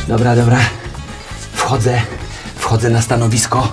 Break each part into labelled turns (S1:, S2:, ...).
S1: Dobra, dobra. Wchodzę na stanowisko.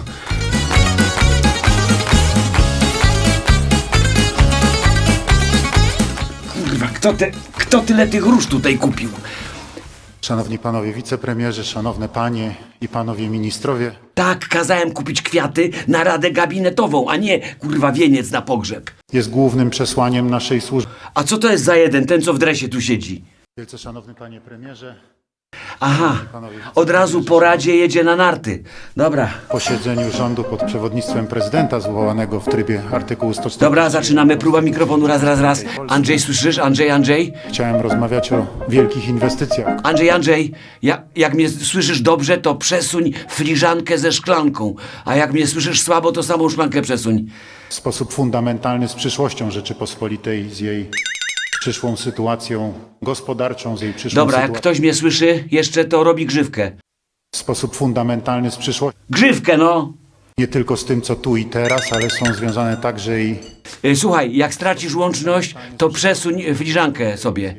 S1: Kurwa, kto tyle tych róż tutaj kupił?
S2: Szanowni panowie wicepremierzy, szanowne panie i panowie ministrowie,
S1: Tak, kazałem kupić kwiaty na radę gabinetową, a nie, kurwa, wieniec na pogrzeb.
S2: jest głównym przesłaniem naszej służby.
S1: A co to jest za jeden, ten co w dresie tu siedzi?
S2: Wielce szanowny panie premierze,
S1: Aha,
S2: panowie
S1: od razu po radzie jedzie na narty. Dobra,
S2: posiedzeniu rządu pod przewodnictwem prezydenta zwołanego w trybie artykułu 140.
S1: dobra, zaczynamy. Próba mikrofonu, raz. Andrzej, słyszysz? Andrzej?
S2: Chciałem rozmawiać o wielkich inwestycjach.
S1: Andrzej, jak mnie słyszysz dobrze, to przesuń filiżankę ze szklanką. A jak mnie słyszysz słabo, to samą szklankę przesuń.
S2: W sposób fundamentalny z przyszłością Rzeczypospolitej, z jej przyszłą sytuacją gospodarczą, z jej przyszłą
S1: Dobra, jak
S2: sytuacją.
S1: ktoś mnie słyszy, jeszcze to robi grzywkę.
S2: W sposób fundamentalny z przyszłością,
S1: Grzywkę, no!
S2: nie tylko z tym, co tu i teraz, ale są związane także i
S1: Słuchaj, jak stracisz łączność, to przesuń filiżankę sobie.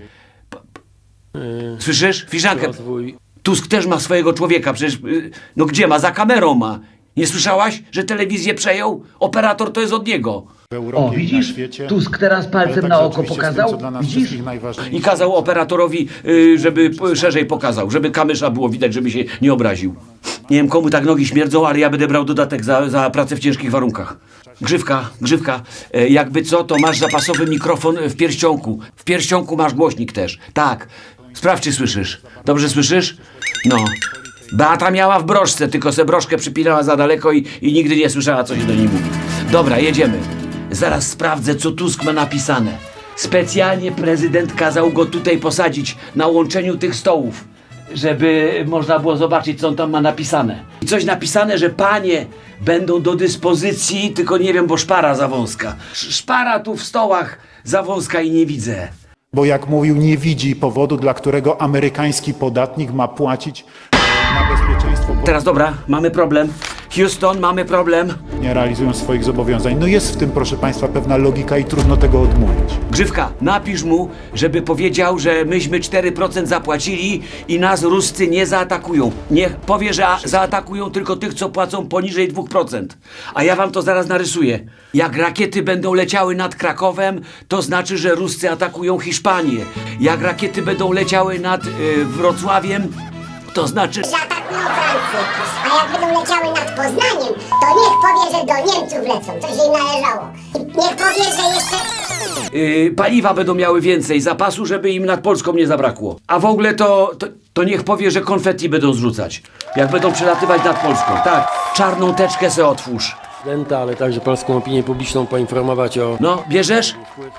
S1: Słyszysz? Filiżankę. Tusk też ma swojego człowieka, przecież, no gdzie ma? Za kamerą ma. Nie słyszałaś, że telewizję przejął? Operator to jest od niego.
S2: w Europie
S1: O,
S2: i
S1: widzisz?
S2: na świecie.
S1: Tusk teraz
S2: ale
S1: palcem
S2: także
S1: na oko
S2: oczywiście z tym,
S1: pokazał.
S2: co dla nas
S1: Widzisz?
S2: wszystkich najważniejsze.
S1: I kazał operatorowi, żeby szerzej pokazał, żeby kamysza było widać, żeby się nie obraził. Nie wiem, komu tak nogi śmierdzą, ale ja będę brał dodatek za pracę w ciężkich warunkach. Grzywka, jakby co, to masz zapasowy mikrofon w pierścionku. W pierścionku masz głośnik też. Tak. Sprawdź, czy słyszysz. Dobrze słyszysz? No. Beata miała w broszce, tylko se broszkę przypinała za daleko i nigdy nie słyszała, co się do niej mówi. Dobra, jedziemy. Zaraz sprawdzę, co Tusk ma napisane. Specjalnie prezydent kazał go tutaj posadzić na łączeniu tych stołów, żeby można było zobaczyć, co on tam ma napisane. I coś napisane, że panie będą do dyspozycji, tylko nie wiem, bo szpara za wąska. Szpara tu w stołach za wąska i nie widzę.
S2: Bo jak mówił, nie widzi powodu, dla którego amerykański podatnik ma płacić na bezpieczeństwo, bo
S1: Teraz dobra, mamy problem. Houston, mamy problem.
S2: nie realizują swoich zobowiązań. No jest w tym, proszę państwa, pewna logika i trudno tego odmówić.
S1: Grzywka, napisz mu, żeby powiedział, że myśmy 4% zapłacili i nas Ruscy nie zaatakują. Niech powie, że zaatakują tylko tych, co płacą poniżej 2%. A ja wam to zaraz narysuję. Jak rakiety będą leciały nad Krakowem, to znaczy, że Ruscy atakują Hiszpanię. Jak rakiety będą leciały nad Wrocławiem, to znaczy...
S3: że atakują Francję, a jak będą leciały nad Poznaniem, to niech powie, że do Niemców lecą, to się im należało. Niech powie, że jeszcze...
S1: paliwa będą miały więcej zapasu, żeby im nad Polską nie zabrakło. A w ogóle to niech powie, że konfetti będą zrzucać, jak będą przelatywać nad Polską. Tak, czarną teczkę se otwórz.
S4: Prezydenta, ale także polską opinię publiczną poinformować o
S1: No, bierzesz?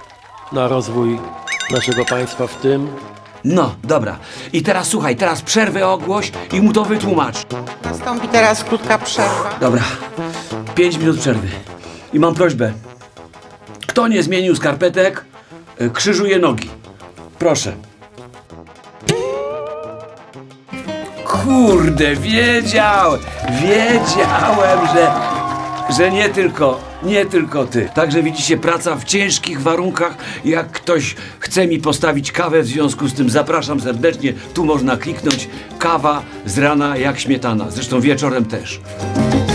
S4: na rozwój naszego państwa w tym.
S1: No, dobra. I teraz słuchaj, teraz przerwę ogłoś i mu to wytłumacz.
S5: Nastąpi teraz krótka przerwa.
S1: Dobra, 5 minut przerwy. I mam prośbę. Kto nie zmienił skarpetek, krzyżuje nogi. Proszę. Kurde, wiedziałem, że nie tylko ty. Także widzicie, praca w ciężkich warunkach. Jak ktoś chce mi postawić kawę w związku z tym, zapraszam serdecznie. Tu można kliknąć kawa z rana jak śmietana. Zresztą wieczorem też.